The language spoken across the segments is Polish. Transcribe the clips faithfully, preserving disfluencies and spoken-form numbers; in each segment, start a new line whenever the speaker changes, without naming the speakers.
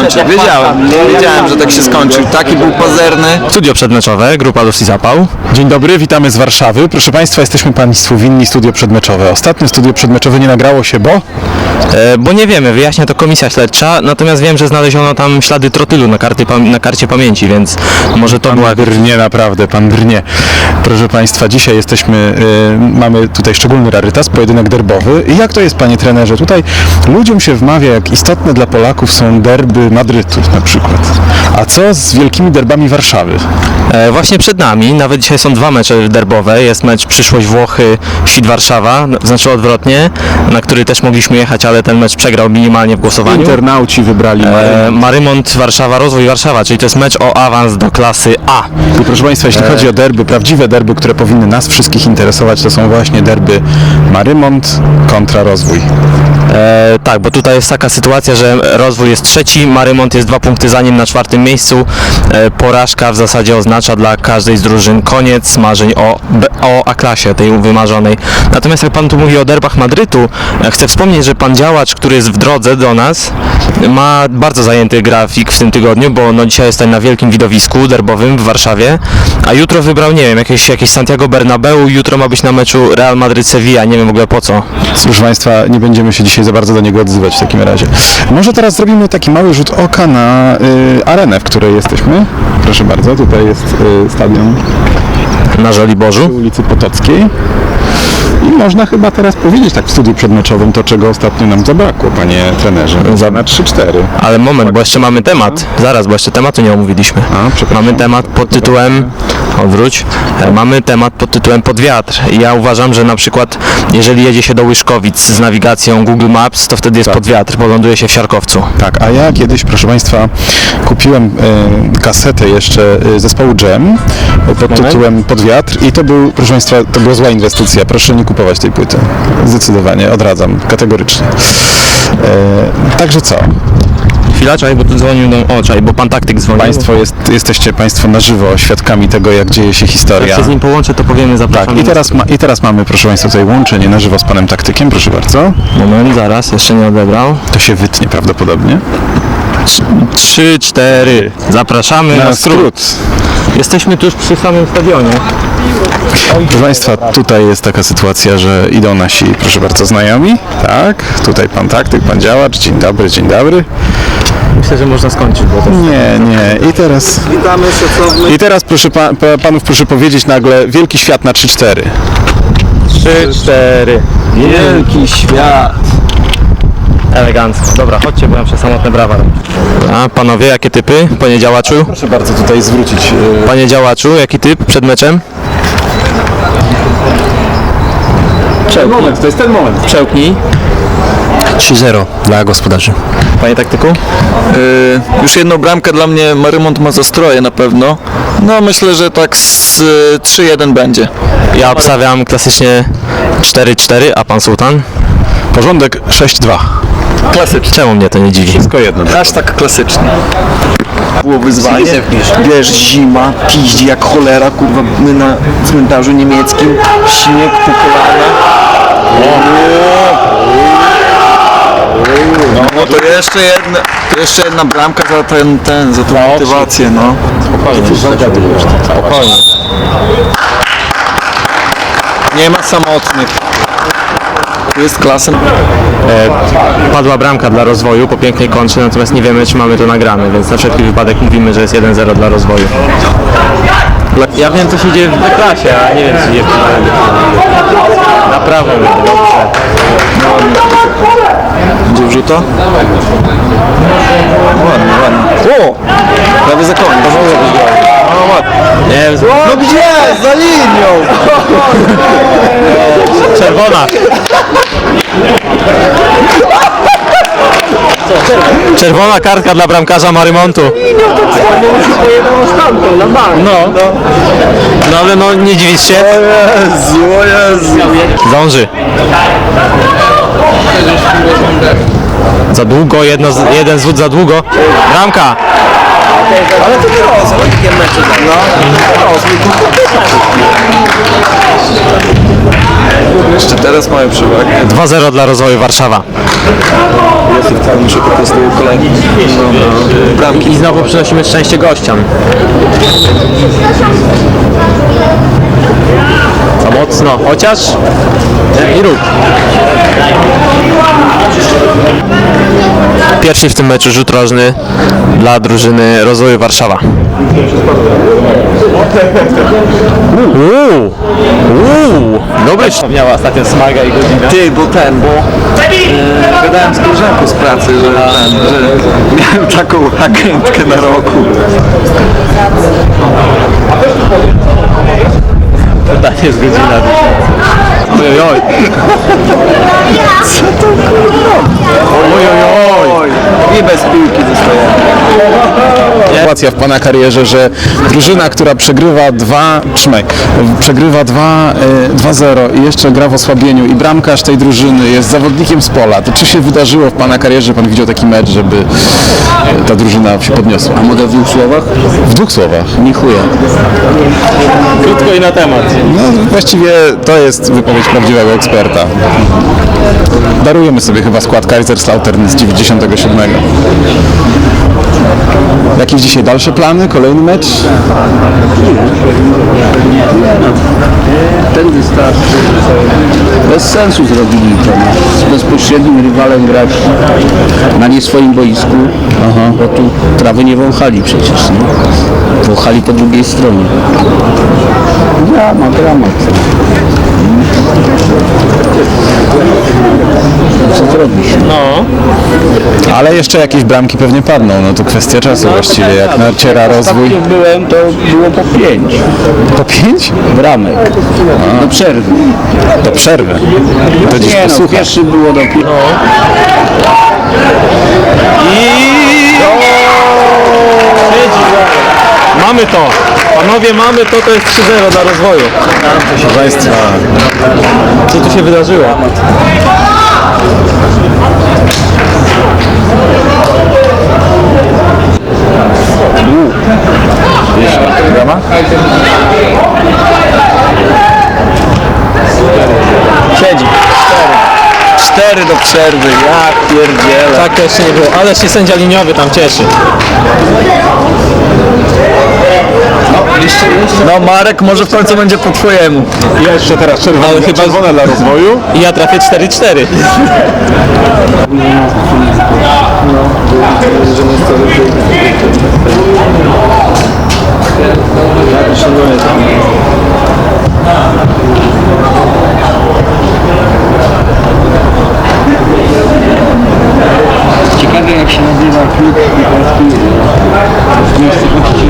skończy. Wiedziałem, wiedziałem, że tak się skończy. Taki był pazerny.
Studio przedmeczowe, grupa Luz i Zapał.
Dzień dobry, witamy z Warszawy. Proszę Państwa, jesteśmy Państwu winni studio przedmeczowe. Ostatnio studio przedmeczowe nie nagrało się, bo...
E, bo nie wiemy, wyjaśnia to komisja śledcza, natomiast wiem, że znaleziono tam ślady trotylu na, karty, pam- na karcie pamięci, więc może to
Pan
była...
brnie, naprawdę, pan brnie. Proszę Państwa, dzisiaj jesteśmy, y, mamy tutaj szczególny rarytas, pojedynek derbowy. I jak to jest, panie trenerze? Tutaj ludziom się wmawia, jak istotne dla Polaków są derby Madrytu na przykład. A co z wielkimi derbami Warszawy?
E, właśnie przed nami, nawet dzisiaj są dwa mecze derbowe, jest mecz Przyszłość Włochy, Świt Warszawa, znaczy odwrotnie, na który też mogliśmy jechać, ale ten mecz przegrał minimalnie w głosowaniu.
Internauci wybrali
E, Marymont Warszawa, Rozwój Warszawa, czyli to jest mecz o awans do klasy A.
I proszę Państwa, jeśli chodzi o derby, prawdziwe derby, które powinny nas wszystkich interesować, to są właśnie derby Marymont kontra Rozwój.
E, tak, bo tutaj jest taka sytuacja, że Rozwój jest trzeci, Marymont jest dwa punkty za nim na czwartym miejscu. E, porażka w zasadzie oznacza dla każdej z drużyn koniec marzeń o, o A-klasie, tej wymarzonej. Natomiast jak pan tu mówi o derbach Madrytu, e, chcę wspomnieć, że pan działacz, który jest w drodze do nas, ma bardzo zajęty grafik w tym tygodniu, bo no dzisiaj jest tutaj na wielkim widowisku derbowym w Warszawie, a jutro wybrał, nie wiem, jakieś, jakieś Santiago Bernabeu, jutro ma być na meczu Real Madryt-Sevilla, nie wiem w ogóle po co.
Proszę Państwa, nie będziemy się dzisiaj za bardzo do niego odzywać w takim razie. Może teraz zrobimy taki mały rzut oka na y, arenę, w której jesteśmy. Proszę bardzo, tutaj jest y, stadion
Na Żoliborzu.
ulicy Potockiej. I można chyba teraz powiedzieć tak w studiu przedmeczowym to, czego ostatnio nam zabrakło, panie trenerze. Za na trzy cztery.
Ale moment, bo jeszcze mamy temat. Zaraz, bo jeszcze tematu nie omówiliśmy.
A, przepraszam.
Mamy temat pod tytułem... Odwróć. E, Mamy temat pod tytułem Pod wiatr. I ja uważam, że na przykład jeżeli jedzie się do Łyszkowic z nawigacją Google Maps, to wtedy jest
Tak.
pod wiatr, bo ląduje się w Siarkowcu.
Tak, a ja kiedyś, proszę Państwa, kupiłem y, kasetę jeszcze y, zespołu Jam y, pod
Moment.
tytułem Pod wiatr i to był, proszę Państwa, to była zła inwestycja. Proszę nie kupować tej płyty. Zdecydowanie, odradzam, kategorycznie. Y, także co?
Chwila, czaj, bo tu dzwonił do... O, czaj, bo pan taktyk dzwonił.
Państwo jest, jesteście Państwo na żywo świadkami tego, jak dzieje się
Jak
historia.
się z nim połączę, to powiemy, zapraszam.
Tak, i teraz, ma, i teraz mamy, proszę Państwa, tutaj łączenie na żywo z Panem Taktykiem, proszę bardzo.
Moment, zaraz, jeszcze nie odebrał.
To się wytnie prawdopodobnie.
Trzy, cztery. Zapraszamy na, skrót. Jesteśmy tuż przy samym stadionie.
Proszę Państwa, tutaj jest taka sytuacja, że idą nasi, proszę bardzo, znajomi. Tak, tutaj Pan Taktyk, Pan Działacz. Dzień dobry, dzień dobry.
Myślę, że można skończyć, bo to...
Nie, nie. I teraz...
Witamy, szacowny.
I teraz proszę pa, pa, Panów proszę powiedzieć nagle wielki świat na trzy cztery.
Trzy, cztery.
Wielki świat.
Elegancko. Dobra, chodźcie, bo ja muszę samotne brawa robić. A panowie, jakie typy? Panie działaczu?
Proszę bardzo tutaj zwrócić. e,
Panie działaczu, jaki typ przed meczem?
Ten moment, to jest ten moment.
Przełknij. trzy zero dla gospodarzy. Panie taktyku?
Yy, już jedną bramkę dla mnie Marymont ma zastroje na pewno. No myślę, że tak z y, trzy jeden będzie.
Ja obstawiam klasycznie cztery cztery, a pan Sultan?
Porządek sześć dwa.
Klasyczny.
Czemu mnie to nie dziwi?
Tylko jedno.
Aż tak klasyczny. Było wyzwanie. Wiesz, zima, piździ jak cholera, kurwa, my na cmentarzu niemieckim, śnieg po kolana. No, no to jeszcze jedna, to jeszcze jedna bramka za ten, ten, za tą motywację, no.
Spokojnie.
Nie ma samotnych. Tu jest klasa.
E, padła bramka dla rozwoju po pięknej kontrze, natomiast nie wiemy, czy mamy to nagrane, więc na wszelki wypadek mówimy, że jest jeden zero dla rozwoju. Ja wiem, co się dzieje w klasie, a nie wiem, co się dzieje w klasie. Na prawo, dobrze.
Będzie wrzuta? Ładnie, ładnie. O! Prawie za koniec.
No ładnie. Nie wiem,
No gdzie? Za linią!
czerwona. Czerwona kartka dla bramkarza Marymontu. No, no ale no nie dziwić się.
Jezu, o Jezu.
Zdąży. Za długo, jedno, z- jeden zwód za długo. Bramka.
Ale to nie rozum, takie mecze za no. Jeszcze teraz mają przewagę.
dwa zero dla rozwoju Warszawa.
muszę po prostu kolejny no, bramki.
I znowu przynosimy szczęście gościom. Za mocno, chociaż i rób. Pierwszy w tym meczu rzut rożny dla drużyny Rozwoju Warszawa. Uuu, uuu, dobry. Miała ostatnio smaga i godzinę.
Ty, bo ten, bo e, gadałem z koleżanką z pracy, że, ten, że miałem taką agentkę na roku.
Tak jest godzina. Ojojoj.
Co to kurwa? Ojojoj. I bez piłki zostajemy.
Sytuacja w pana karierze, że drużyna, która przegrywa dwa, trzymaj, przegrywa dwa zero i jeszcze gra w osłabieniu i bramkarz tej drużyny jest zawodnikiem z pola. To czy się wydarzyło w pana karierze, że pan widział taki mecz, żeby ta drużyna się podniosła?
A mogę w dwóch słowach?
W dwóch słowach.
Nie chuja.
Krótko i na temat.
No właściwie to jest wypowiedź prawdziwego eksperta. Darujemy sobie chyba skład Kaiserslautern z dziewięćdziesiątego siódmego. Jakieś dzisiaj dalsze plany? Kolejny mecz?
Ten wystarczy. Bez sensu zrobili to. Z bezpośrednim rywalem grać na nie swoim boisku, bo tu trawy nie wąchali przecież. Nie? Wąchali po drugiej stronie. Dramat, dramat. Co zrobisz?
No.
Ale jeszcze jakieś bramki pewnie padną, no to kwestia czasu właściwie, jak naciera rozwój.
Jak byłem, to było po pięć
Po pięć?
bramek. Do przerwy.
Do przerwy. To dziś
Nie no,
posłucha.
pierwszy było do pięć.
Mamy to! Panowie, mamy to, to jest trzy zero dla Rozwoju.
Proszę Państwa,
Co tu się wydarzyło? Siedzi.
Cztery do przerwy, ja pierdzielę.
Tak to jeszcze nie było, ale się sędzia liniowy tam cieszy.
No Marek, może w końcu będzie po twojemu.
jeszcze teraz czerwone,
Ale chyba-
czerwone dla rozwoju.
I ja trafię cztery cztery.
Ciekawe jak się nazywa klub piłkarski w miejscowości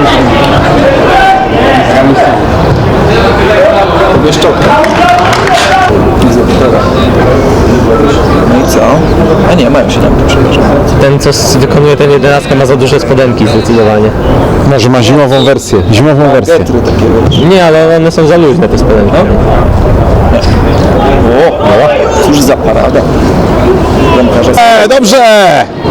Bieszczota. No i co? A nie, mają się tam przepraszam.
Ten, co s- wykonuje ten jedenastka, ma za duże spodenki zdecydowanie.
Może ma zimową wersję, zimową wersję.
Getry takie wiesz.
Nie, ale one są za luźne, te spodenki.
O, no, cóż za parada. Bramkarza.
E, dobrze!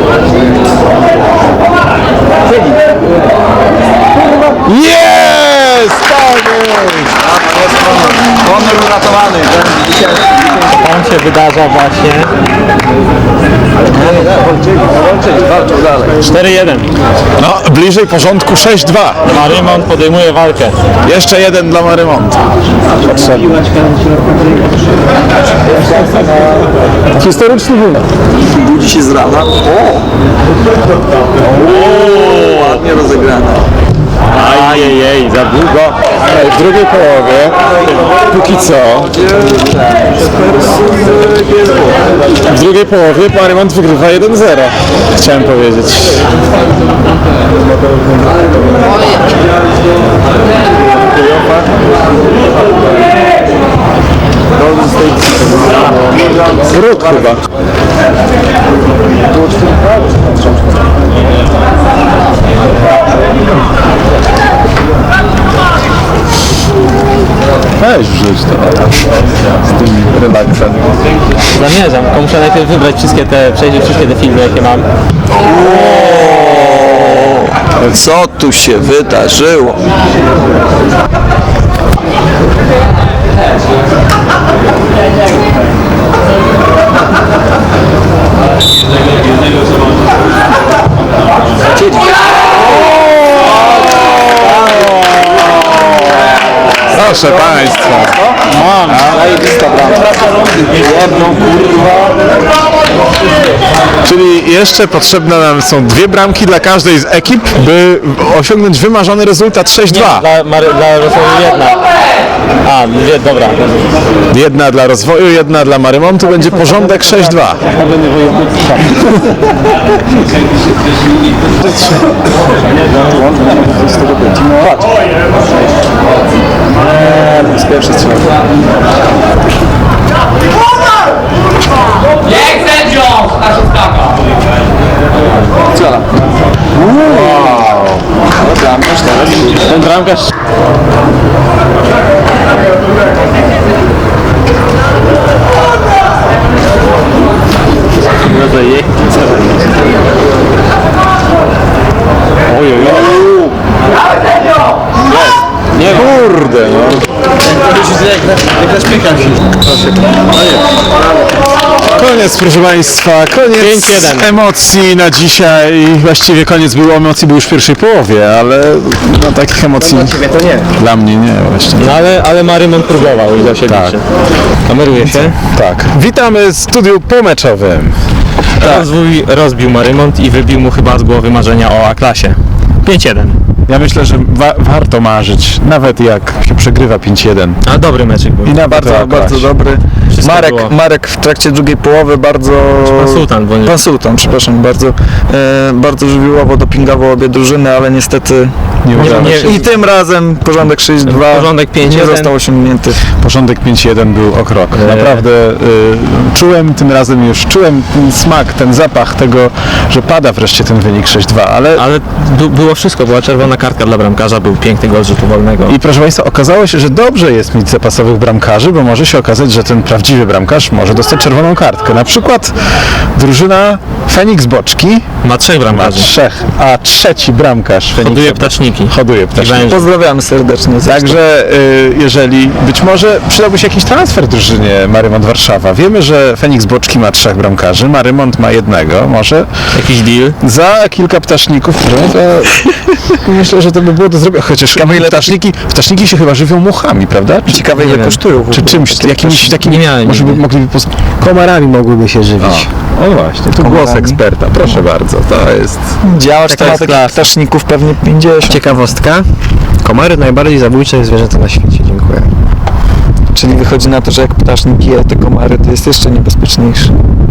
Jest! Tak jest!
Honor uratowany. Ten dzisiaj.
On się wydarza właśnie.
Walczyli, walczą dalej.
cztery jeden.
No, bliżej porządku sześć dwa.
Marymon podejmuje walkę.
Jeszcze jeden dla Marymontu. Historyczny wynik.
Budzi się z rana. O! O, ładnie rozegrane.
Ajejej, za długo.
W drugiej połowie, póki co, w drugiej połowie Marymont wygrywa jeden zero. Chciałem powiedzieć. Wróg chyba. Weź wrzuć to z tym relaksem.
Zamierzam, tylko muszę najpierw wybrać wszystkie te, przejrzeć wszystkie te filmy, jakie mam.
Co tu się wydarzyło?
Proszę Państwa.
Mam, zajebista bramka. Jedną, kurwa.
Czyli jeszcze potrzebne nam są dwie bramki dla każdej z ekip, by osiągnąć wymarzony rezultat sześć dwa.
Dla, Mary, dla rozwoju jedna. A, dwie, dobra.
Jedna dla rozwoju, jedna dla Marymontu, będzie porządek sześć dwa.
Z pierwszy strzał.
Jak sędzią! Nasza skaka!
Strzela. Wow. Bramkarz teraz.
Ten bramkarz... Nie, kurde, no. Koniec, proszę Państwa, koniec
pięć jeden.
emocji na dzisiaj. Właściwie koniec był, emocji był już w pierwszej połowie, ale no, takich emocji
To nie.
dla mnie nie właśnie.
No ale, ale Marymont próbował i do siebie.
Tak.
Kameruje się.
Tak. Witamy w studiu pomeczowym.
Rozwój rozbił Marymont i wybił mu chyba z głowy marzenia o A-klasie. pięć jeden.
Ja myślę, że wa- warto marzyć, nawet jak się przegrywa pięć jeden.
A dobry meczek był.
I na
Bardzo,
bardzo,
bardzo dobry.
Wszystko
Marek,
było.
Marek w trakcie drugiej połowy bardzo...
Pan Sultan, bo nie...
Pan Sultan, przepraszam bardzo. E, bardzo żywiołowo dopingował obie drużyny, ale niestety
Nie udało
nie-
się.
i tym razem porządek sześć dwa
Porządek pięć
nie
jeden.
został osiągnięty.
Porządek pięć jeden był o krok.
Eee.
Naprawdę y, czułem tym razem już, czułem ten smak, ten zapach tego, że pada wreszcie ten wynik sześć dwa, ale
Ale bu- było wszystko, była czerwona kartka dla bramkarza, był piękny gol z rzutu wolnego.
i proszę Państwa, okazało się, że dobrze jest mieć zapasowych bramkarzy, bo może się okazać, że ten prawdziwy bramkarz może dostać czerwoną kartkę. Na przykład drużyna Feniks Boczki
Ma trzech
ma
bramkarzy.
trzech, a trzeci bramkarz Feniksa
Hoduje ptaszniki.
hoduje
I
ptaszniki.
węże.
Pozdrawiamy serdecznie.
Także y, jeżeli być może przydałby się jakiś transfer drużynie Marymont Warszawa. Wiemy, że Feniks Boczki ma trzech bramkarzy, Marymont ma jednego. Może
Jakiś deal.
za kilka ptasznników, to myślę, że to by było do zrobienia. Chociaż ptaszniki, ptaszniki się chyba żywią muchami, prawda? Czy,
Ciekawe
Nie
ile
wiem.
kosztują. w
czy
ogóle
czymś,
takie
jakimś
ptaszki.
takim,
Nie miałem
może by
nigdy.
mogliby pos...
Komarami mogłyby się żywić.
O, o właśnie, tu głos
Komarami.
eksperta, proszę bardzo, to jest...
Działacz
Taka
to ma
jest
takich
klasa.
ptaszników pewnie pięćdziesiąt.
Ciekawostka. Komary najbardziej zabójcze zwierzęta na świecie. Dziękuję.
Czyli wychodzi na to, że jak ptasznik je te komary, to jest jeszcze niebezpieczniejszy.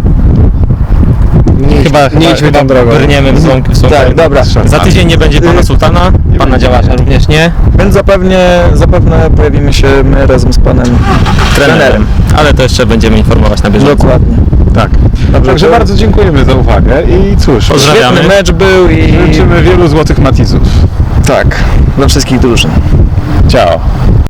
Chyba,
nie idźmy
chyba
tą drogą.
brniemy w złą, w złą
Tak,
drogę.
dobra.
Za tydzień nie będzie pana Sultana, pana działacza również nie,
Więc zapewnie, zapewne pojawimy się my razem z panem
trenerem. Ale to jeszcze będziemy informować na bieżąco.
Dokładnie.
Tak. Także
to-
bardzo dziękujemy za uwagę i cóż,
Pozdrawiamy.
Świetny mecz był i
życzymy wielu złotych matizów.
tak, dla wszystkich drużyn.
Ciao.